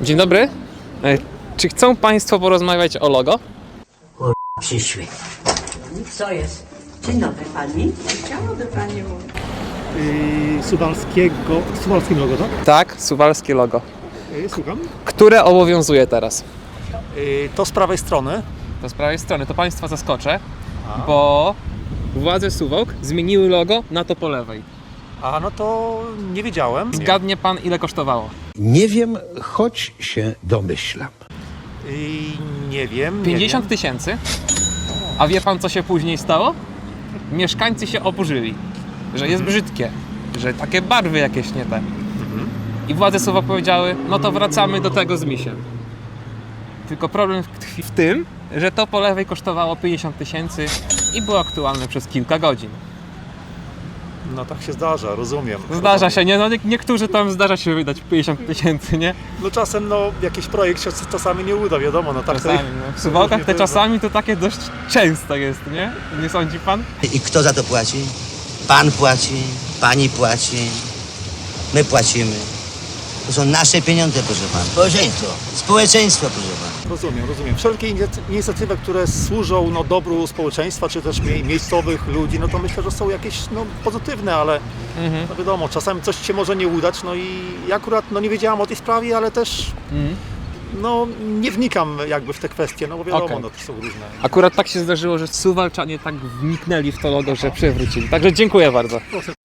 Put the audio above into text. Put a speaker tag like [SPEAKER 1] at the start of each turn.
[SPEAKER 1] Dzień dobry. Czy chcą Państwo porozmawiać o logo?
[SPEAKER 2] Przyszły. Co jest? Dzień dobry pani.
[SPEAKER 3] Chciałaby pani mówić.
[SPEAKER 4] Suwalskim logo, tak?
[SPEAKER 1] Tak, suwalskie logo.
[SPEAKER 4] Słucham.
[SPEAKER 1] Które obowiązuje teraz?
[SPEAKER 4] To z prawej strony.
[SPEAKER 1] To z prawej strony, to Państwa zaskoczę, bo władze Suwałk zmieniły logo na to po lewej.
[SPEAKER 4] A no to nie wiedziałem.
[SPEAKER 1] Zgadnie Pan, ile kosztowało?
[SPEAKER 5] Nie wiem, choć się domyślam.
[SPEAKER 4] Nie wiem.
[SPEAKER 1] 50 000. A wie Pan, co się później stało? Mieszkańcy się oburzyli, że jest brzydkie, że takie barwy jakieś nie te. I władze Suwałk powiedziały, no to wracamy do tego z misiem. Tylko problem tkwi w tym, że to po lewej kosztowało 50 000 i było aktualne przez kilka godzin.
[SPEAKER 4] No tak się zdarza, rozumiem.
[SPEAKER 1] Zdarza się, nie? No niektórzy tam zdarza się wydać 50 000, nie?
[SPEAKER 4] No czasem jakiś projekt się czasami nie uda, wiadomo. No tak
[SPEAKER 1] Czasami,
[SPEAKER 4] to-
[SPEAKER 1] no. W Suwałkach te czasami to takie dość często jest, nie? Nie sądzi Pan?
[SPEAKER 6] I kto za to płaci? Pan płaci, pani płaci, my płacimy. To są nasze pieniądze, proszę pana. Społeczeństwo. Społeczeństwo, proszę pana.
[SPEAKER 4] Rozumiem. Wszelkie inicjatywy, które służą dobru społeczeństwa, czy też miejscowych ludzi, no to myślę, że są jakieś pozytywne, ale no wiadomo, czasami coś się może nie udać, no i ja akurat nie wiedziałam o tej sprawie, ale też nie wnikam jakby w te kwestie, no bo wiadomo,
[SPEAKER 1] Okej.
[SPEAKER 4] to są różne.
[SPEAKER 1] Akurat tak się zdarzyło, że Suwalczanie tak wniknęli w to logo, że przewrócili. Także dziękuję bardzo.